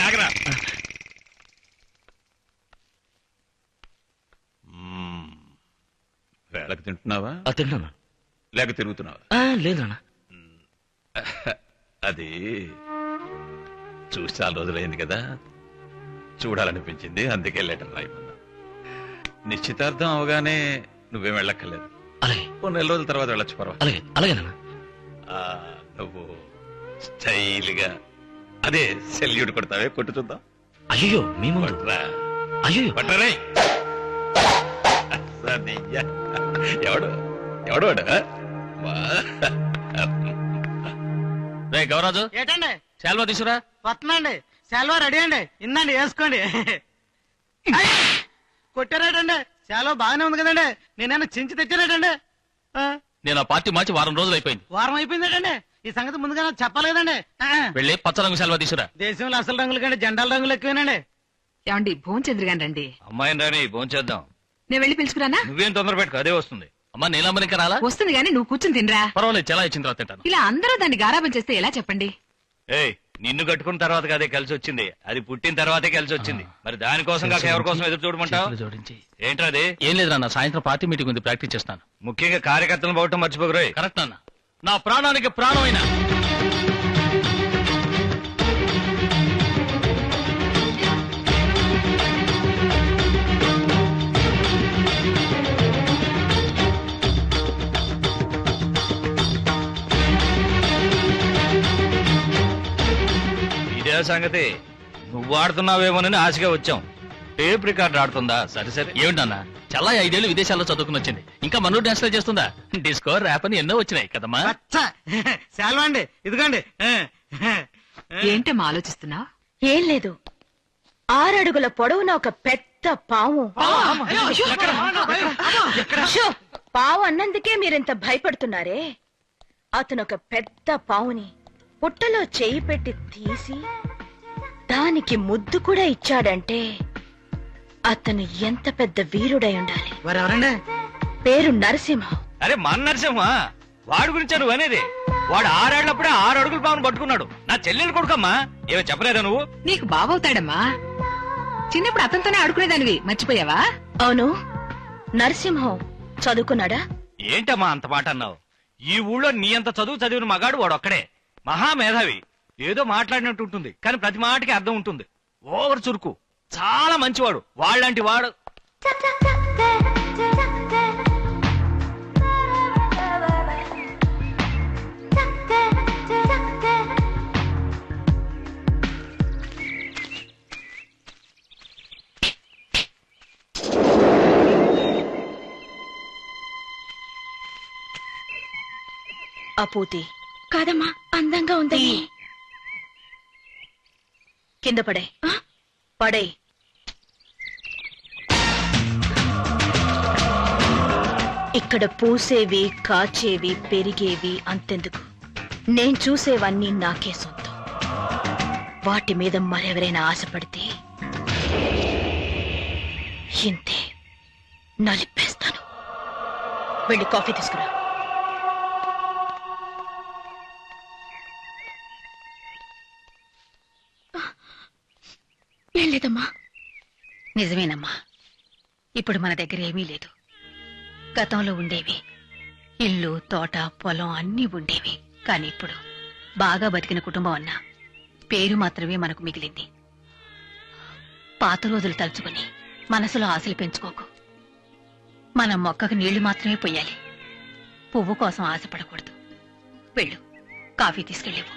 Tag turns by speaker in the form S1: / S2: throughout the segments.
S1: ఆగరా. వేళకు తింటున్నావా?
S2: తిన్నాను.
S1: లేక తిరుగుతున్నావా?
S2: లేదు నాన్న.
S1: అది చూసి చాలా రోజులైంది కదా, చూడాలనిపించింది, అందుకే లెటర్ రాయమన్నా. నిశ్చితార్థం అవగానే నువ్వేం వెళ్ళక్కర్లేదు.
S2: అలాగే.
S1: 2 నెల రోజుల తర్వాత వెళ్ళొచ్చు, పర్వాలేదు.
S2: అలాగే అలాగే నాన్న.
S1: నువ్వు స్టైల్ గా అదే సెల్యూట్ కొడతావే, కొట్టు చూద్దాం.
S2: అయ్యో మీ ముందు. అయ్యో
S1: పట్టరే. ఎవడు ఎవడు వాడు?
S2: రే గౌరాజు,
S3: ఏటండి
S2: శాల్వా తీసురా.
S3: వస్తున్నాండి. శాల్వా రెడీ అండి, ఇందండి వేసుకోండి. కొట్టారేటండి? శాల్వా బాగానే ఉంది కదండి, నేనైనా చించి తెచ్చారేటండి?
S2: నేను ఆ పార్టీ మార్చి వారం రోజులు అయిపోయింది.
S3: వారం అయిపోయిందేటండి? ఈ సంగతి ముందుగా నాకు చెప్పాలి కదండి.
S2: వెళ్ళి పచ్చ రంగు శాల్వా తీసురా.
S3: దేశంలో అసలు రంగులు కంటే జెండాల రంగులు ఎక్కువేనండి.
S4: ఏమండి భోంచంద్ర గాని రండి.
S2: అమ్మాయిని రాని భోంచేద్దాం.
S4: నేను వెళ్ళి పిలుచుకురానా?
S2: నువ్వేం తొందర పెట్టుకో, అదే వస్తుంది. అమ్మా నీలమ్మని ఇంకా రాలా?
S4: వస్తుంది గానీ నువ్వు కూర్చుని తినరా.
S2: పర్వాలేదు, చాలా ఇచ్చిన తర్వాత తింటాను.
S4: ఇలా అందరూ దాన్ని గారాబం చేస్తే ఎలా చెప్పండి?
S5: ఏయ్, నిన్ను కట్టుకున్న తర్వాత అదే కలిసి వచ్చింది, అది పుట్టిన తర్వాతే కలిసి వచ్చింది. మరి దానికోసం కాక ఎవరి కోసం ఎదురు చూడమంటావు?
S2: జోడించి.
S5: ఏంట్రా అది?
S2: ఏం లేదు నాన్న, సాయంత్రం పార్టీ మీటింగ్ ఉంది, ప్రాక్టీస్ చేస్తాను.
S5: ముఖ్యంగా కార్యకర్తలను పోవటం మర్చిపోకరోయ్.
S2: కరెక్ట్ నాన్న, నా ప్రాణానికి ప్రాణమైన.
S5: ఇదే సంగతి, నువ్వు ఆడుతున్నావేమోనని ఆశగా వచ్చాం. టేప్ రికార్డ్ ఆడుతుందా? సరే సరే.
S2: ఏమిటన్నా, చాలా 5 ఏళ్ళు విదేశాల్లో చదువుకుని వచ్చింది, ఇంకా మనూరు డాన్స్ చేస్తుందా? డిస్కో ర్యాప్ అని ఎన్నో వచ్చినాయి కదమ్మా.
S3: శాల్వా అండి, ఇదిగోండి.
S4: ఏంటమ్మా ఆలోచిస్తున్నావు?
S6: ఏం లేదు, 6 అడుగుల పొడవున ఒక పెద్ద పాము. షో, పావు అన్నందుకే మీరింత భయపడుతున్నారే. అతను ఒక పెద్ద పావుని పుట్టలో చేయి పెట్టి తీసి దానికి ముద్దు కూడా ఇచ్చాడంటే అతను ఎంత పెద్ద వీరుడై ఉండాలి.
S3: ఎవరండి?
S6: పేరు నరసింహం.
S5: అరే మన నరసింహ, వాడి గురించా నువ్వు అనేది? వాడు 6 ఏళ్లప్పుడే 6 అడుగుల పావును పట్టుకున్నాడు. నా చెల్లెలు కొడుకమ్మా, ఏమో చెప్పలేదా నువ్వు?
S4: నీకు బావవుతాడమ్మా. చిన్నప్పుడు అతనితోనే ఆడుకునేదానివి, మర్చిపోయావా?
S6: అవును, నరసింహం చదువుకున్నాడా?
S5: ఏంటమ్మా అంత మాట అన్నావు? ఈ ఊళ్ళో నీ అంత చదువు చదివిన మగాడు వాడు ఒక్కడే. మహామేధావి. ఏదో మాట్లాడినట్టు ఉంటుంది, కానీ ప్రతి మాటకి అర్థం ఉంటుంది. ఓవర్ చురుకు, చాలా మంచివాడు. వాళ్ళంటి వాడు.
S6: అపూతి కాదమ్మా, అందంగా ఉందని. కింద పడే పడే. ఇక్కడ పూసేవి, కాచేవి, పెరిగేవి అంతెందుకు, నేను చూసేవన్నీ నాకే సొంతం. వాటి మీద మరెవరైనా ఆశపడితే ఇంతే, నలిపేస్తాను. వెళ్ళి కాఫీ తీసుకురా. లేదమ్మా.
S4: నిజమేనమ్మా, ఇప్పుడు మన దగ్గర ఏమీ లేదు. గతంలో ఉండేవి, ఇల్లు, తోట, పొలం అన్నీ ఉండేవి. కానీ ఇప్పుడు బాగా బతికిన కుటుంబం అన్నా పేరు మాత్రమే మనకు మిగిలింది. పాత రోజులు తలుచుకుని మనసులో ఆశలు పెంచుకోకు. మన మొక్కకు నీళ్లు మాత్రమే పొయ్యాలి, పువ్వు కోసం ఆశపడకూడదు. వెళ్ళు, కాఫీ తీసుకెళ్ళేవు.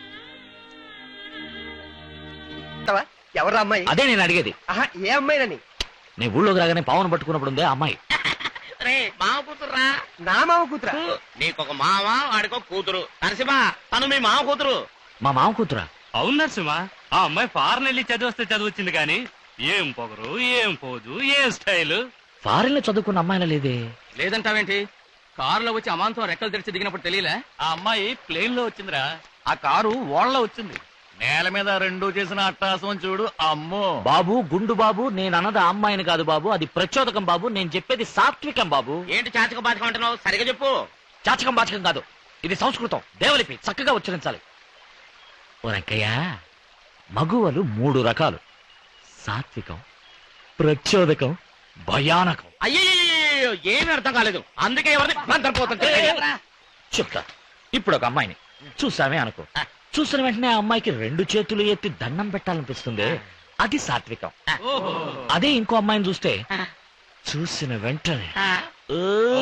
S3: ఎవరు అమ్మాయి?
S2: అదే నేను అడిగేది.
S3: ఏ అమ్మాయినని?
S2: నీ ఊళ్ళోకి రాగానే పావును పట్టుకున్నప్పుడు ఉందే అమ్మాయి.
S7: మామ కూతురురా.
S3: నా మామ కూతురా?
S7: నీకొక మామ, వాడికో కూతురు. నరసింహ, తను మీ మామ కూతురు.
S2: మా మామ కూతురా?
S5: అవును నరసింహ, ఆ అమ్మాయి ఫారెన్ వెళ్ళి చదివస్తే చదివచ్చింది, కానీ ఏం పొగరు, ఏం పోదు, ఏం స్టైల్.
S2: ఫారెన్ లో చదువుకున్న అమ్మాయిలా లేదే.
S7: లేదంటావేంటి? కారులో వచ్చి అమాంతం రెక్కలు తెరిచి దిగినప్పుడు తెలియలే?
S5: ఆ అమ్మాయి ప్లేన్ లో వచ్చిందిరా, ఆ కారు ఓళ్ళలో వచ్చింది. నేల మీద 2 చేసిన అట్టాసం చూడు. అమ్మో
S2: బాబు, గుండు బాబు, నేను అన్నది ఆ అమ్మాయిని కాదు బాబు, అది ప్రచోదకం బాబు. నేను చెప్పేది సాత్వికం బాబు.
S7: ఏంటి చాచక బాచకం అంటున్నావు? సరిగా చెప్పు.
S2: చాచకం బాచకం కాదు, ఇది సంస్కృతం, దేవలిపి, చక్కగా ఉచ్చరించాలి. ఓ రంకయ్య,
S5: మగువలు 3 రకాలు: సాత్వికం, ప్రచోదకం, భయానకం.
S7: అయ్యో ఏమీ అర్థం కాలేదు, అందుకే ఎవరిని మంత్రపోతుంది.
S5: చెప్తా. ఇప్పుడు ఒక అమ్మాయిని చూసామే అనుకో, చూసిన వెంటనే ఆ అమ్మాయికి 2 చేతులు ఎత్తి దండం పెట్టాలనిపిస్తుంది, అది సాత్వికం. అదే ఇంకో అమ్మాయిని చూస్తే చూసిన వెంటనే ఓ,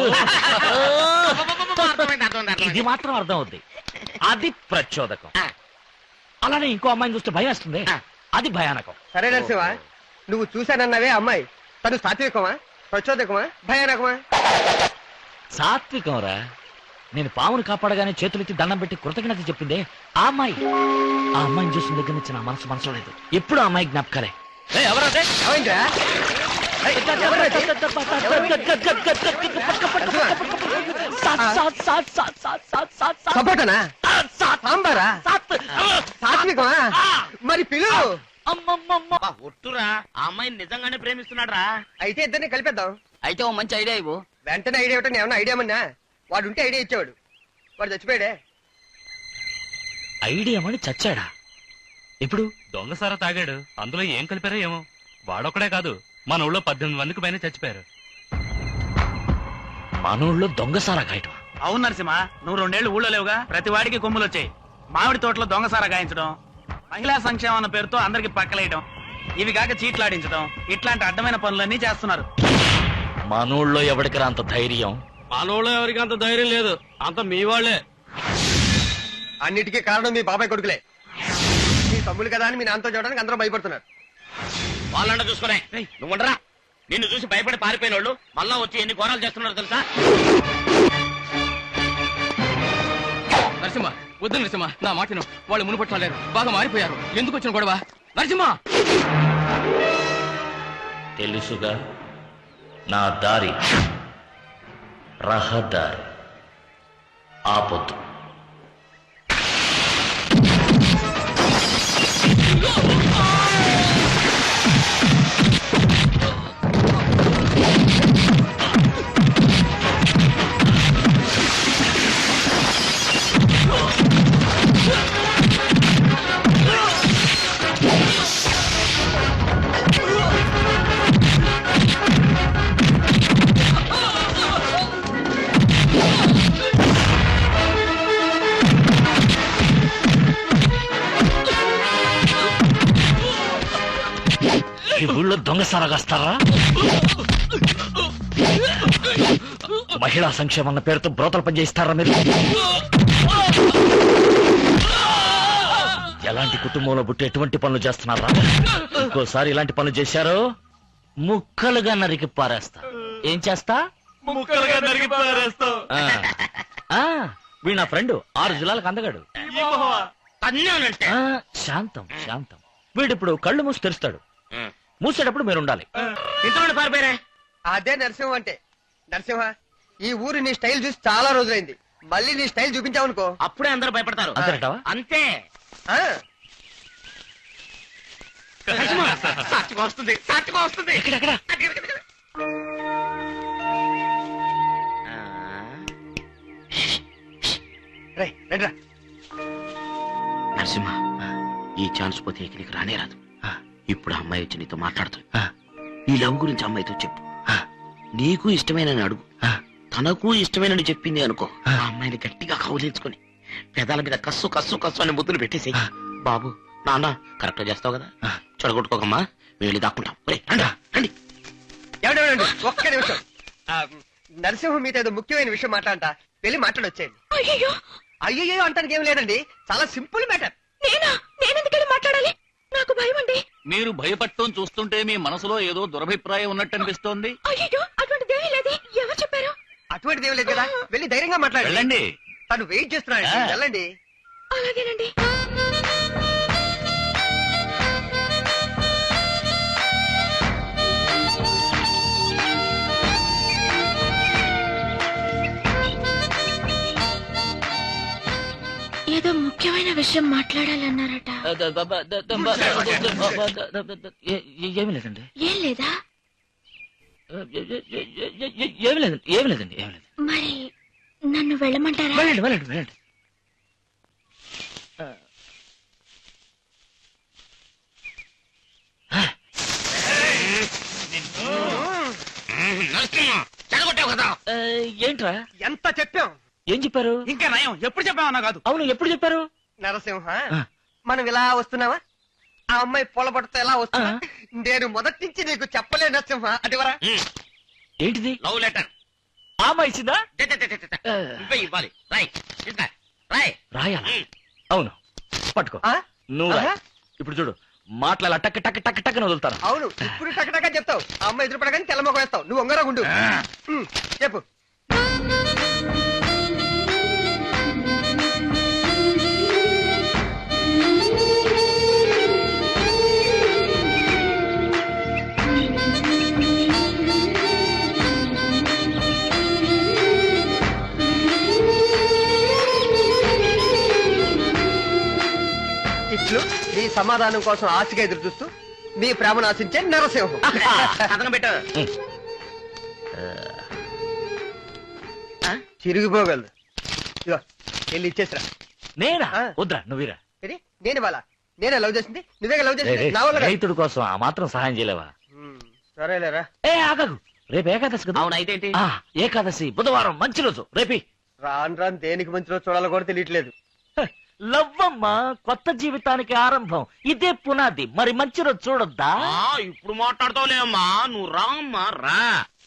S5: ఇది మాత్రం అర్థం అవుద్ది, అది ప్రచోదకం. అలానే ఇంకో అమ్మాయిని చూస్తే భయం వేస్తుంది, అది భయానకం.
S3: సరే నరసింహ, నువ్వు చూశానన్నావే అమ్మాయి, తను సాత్వికమా, ప్రచోదకమా, భయానకమా?
S5: సాత్వికం రా. నేను పామును కాపాడగానే చేతులెత్తి దండం పెట్టి కృతజ్ఞత చెప్పిందే ఆ అమ్మాయి. ఆ అమ్మాయిని చూసిన దగ్గర నుంచి నా మనసు లేదు, ఎప్పుడు ఆ అమ్మాయి జ్ఞాపకాలే.
S3: ఏమైందిరా? సపోటనా? సాంబారా? సాత్వికమా? మరి పిలు.
S7: ఒట్టురా, ఆ అమ్మాయిని నిజంగానే ప్రేమిస్తున్నాడు రా.
S3: అయితే ఇద్దరిని కలిపేద్దాం.
S8: అయితే ఓ మంచి ఐడియా ఇవ్వు.
S3: వెంటనే ఐడియా ఇవ్వటం ఏమన్నా ఐడియా మన్నా? వాడు ఉంటే ఐడియా ఇచ్చేవాడు, వాడు చచ్చిపోయాడే.
S5: ఐడియా మని చచ్చాడా? ఇప్పుడు
S2: దొంగసారా తాగాడు, అందులో ఏం కలిపారో ఏమో. వాడొక్కడే కాదు, మన ఊళ్ళో 18 మందికి పైన చచ్చిపోయారు.
S5: మనూళ్ళో దొంగసారా గాయటం.
S7: అవును నరసింహ, నువ్వు 2 ఏళ్ళు ఊళ్ళో లేవుగా, ప్రతి వాడికి కొమ్ములు వచ్చాయి. మామిడి తోటలో దొంగసారా గాయించడం, మహిళా సంక్షేమం అన్న పేరుతో అందరికి పక్కలేయడం, ఇవి కాక చీట్లాడించడం, ఇట్లాంటి అడ్డమైన పనులన్నీ చేస్తున్నారు.
S5: మనూళ్ళో ఎవడికి అంత ధైర్యం?
S7: మనోళ్ళు ఎవరికి అంత ధైర్యం లేదు, అంత మీ వాళ్ళే.
S3: అన్నిటికీ కారణం మీ బాబాయ్ కొడుకులే. మీ తమ్ముడు కదా అని మీ నాన్నతో చూడడానికి అందరూ భయపడుతున్నారు.
S7: వాళ్ళంట చూసుకునే నువ్వు ఉండరా. నిన్ను చూసి భయపడి పారిపోయిన వాళ్ళు మళ్ళా వచ్చి ఎన్ని ఘోరాలు చేస్తున్నారు తెలుసా?
S8: నరసింహ వద్దు నరసింహ, నా మాటను. వాళ్ళు మునుపట్లేరు, బాగా మారిపోయారు. ఎందుకు వచ్చిన గొడవ? నరసింహ
S5: తెలుసుగా నా దారి, రహదారి ఆపొద్దు. ఈ ఊళ్ళో దొంగసారా కాస్తారా? మహిళా సంక్షేమం అన్న పేరుతో బ్రోతలు పనిచేయిస్తారా మీరు? ఎలాంటి కుటుంబంలో పుట్టి ఎటువంటి పనులు చేస్తున్నారా? ఇంకోసారి ఇలాంటి పనులు చేశారో ముక్కలుగా నరికి పారేస్తా. ఏం చేస్తా?
S7: ముక్కలుగా నరికి పారేస్తావు.
S5: వీడు నా ఫ్రెండ్, 6 జిల్లాలకు అందగాడు.
S7: తన్నానంటే
S5: శాంతం శాంతం. వీడిప్పుడు కళ్ళు మూసి తెరుస్తాడు, మూసేటప్పుడు మీరు ఉండాలి.
S7: ఇంతలో పారిపోయారే.
S3: అదే నరసింహ అంటే. నరసింహ, ఈ ఊరు నీ స్టైల్ చూసి చాలా రోజులైంది, మళ్ళీ నీ స్టైల్ చూపించావనుకో
S7: అప్పుడే అందరూ భయపడతారు.
S5: అంతేనటావా?
S7: అంతే.
S3: ఆ,
S7: సాక్షిగా వస్తుంది, సాక్షిగా వస్తుంది.
S5: ఎక్కడెక్కడ?
S3: రేయ్, రండిరా.
S7: నరసింహ, ఈ ఛాన్స్ పోతే ఇక నీకు రానే రాదు. ఇప్పుడు అమ్మాయి వచ్చి నీతో మాట్లాడుతుంది. నీ లవ్ గురించి అమ్మాయితో చెప్పు. నీకు ఇష్టమైన అడుగు, తనకు ఇష్టమైన చెప్పింది అనుకో. ఆ అమ్మాయిని గట్టిగా కౌలించుకొని పెదాల మీద కస్సు కస్సు కస్సు అని ముద్దులు పెట్టేసి, బాబు నాన్న కరెక్ట్ చేస్తావు కదా, చెడగొట్టుకోకమ్మా, వెళ్ళి దాక్కుంటాం. రండి.
S3: ఎవడెవడండి, ఒక్క నిమిషం. నరసింహ మీతో ఏదో ముఖ్యమైన విషయం మాట్లాడంట, వెళ్ళి మాట్లాడొచ్చేయండి.
S6: అయ్యో
S3: అయ్యో అంటానికి ఏం లేదండి, చాలా సింపుల్ మ్యాటర్.
S6: నేనెందుకెళ్ళి మాట్లాడాలి? నాకు భయం అండి.
S2: మీరు భయపడటం చూస్తుంటే మీ మనసులో ఏదో దురభిప్రాయం ఉన్నట్టు అనిపిస్తోంది.
S6: అయ్యో అటువంటిదేమీ లేదు. ఎవరు చెప్పారు?
S3: అటువంటిది ఏం లేదు కదా, వెళ్ళి ధైర్యంగా మాట్లాడండి.
S2: వెళ్ళండి.
S3: తను వెయిట్ చేస్తున్నాడు, వెళ్ళండి.
S6: అలాగేనండి. ఏదో ముఖ్యమైన విషయం మాట్లాడాలన్నారట.
S5: ఏమి లేదండి,
S6: ఏం లేదా?
S5: ఏమి లేదండి, ఏమి లేదండి, ఏమి లేదు.
S6: మరి నన్ను వెళ్ళమంటారా?
S5: వెళ్ళండి వెళ్ళండి వెళ్ళండి.
S7: చెడగొట్టావు కదా.
S2: ఏంట్రా
S3: ఎంత చెప్పాం.
S2: ఏం చెప్పారు?
S5: ఇంకా నయం ఎప్పుడు చెప్పామన్నా కాదు.
S2: అవును, ఎప్పుడు చెప్పారు?
S3: నరసింహ మనం ఇలా వస్తున్నావా, ఆ అమ్మాయి పొలబడితే ఎలా వస్తున్నా, నేను మొదటి నుంచి నీకు చెప్పలే నరసింహ. అదివరా
S2: ఏంటిది?
S7: లవ్ లెటర్
S2: ఆమె ఇచ్చిందా?
S7: నువ్వే ఇవ్వాలి. రాయ్ ఇంకా రాయ్.
S2: రాయాలా? అవును, పట్టుకో.
S3: ఆ?
S2: నువ్వు రాయ్.
S3: ఆహా.
S2: ఇప్పుడు చూడు, మాట్లాడాల టక్ టక్ టక్ టక్ అని వదులుతాను.
S3: అవును, ఇప్పుడు టకటకా చెప్తావు. ఆ అమ్మాయి ఎదురుపడగానే తెల్లమొక వేస్తావు. నువ్వు ఒంగరా గుండు. చెప్పు. ఇట్లు నీ సమాధానం కోసం ఆశగా ఎదురు చూస్తూ మీ ప్రేమను ఆశించే నరసింహం.
S7: కథనం పెట్టు.
S3: చిరిగిపోగలదు. ఇదిగో వెళ్ళి ఇచ్చేసిరా.
S2: నేనా?
S3: ఆ.
S2: వద్దా, నువ్వురా.
S3: ఇది నేను వాళ్ళ నేనే లవ్ చేసింది, నువ్వే లవ్ చేసింది. నా వల్ల కాదు.
S2: రైతుడి కోసం ఆ మాత్రం సహాయం చేయలేవా?
S3: సరేలేరా.
S2: ఏ ఆగదు, రేపు ఏకాదశి కదా.
S7: అవును, అయితే ఏంటి?
S2: ఆ, ఏకాదశి బుధవారం మంచి రోజు. రేపి
S3: రాను రాను దేనికి మంచిలో చూడాలో కూడా తెలియట్లేదు.
S2: లవ్వమ్మ కొత్త జీవితానికి ఆరంభం, ఇదే పునాది. మరి మంచి రోజు చూడొద్దా?
S7: ఇప్పుడు మాట్లాడతావులే అమ్మా, నువ్వు రా అమ్మా రా.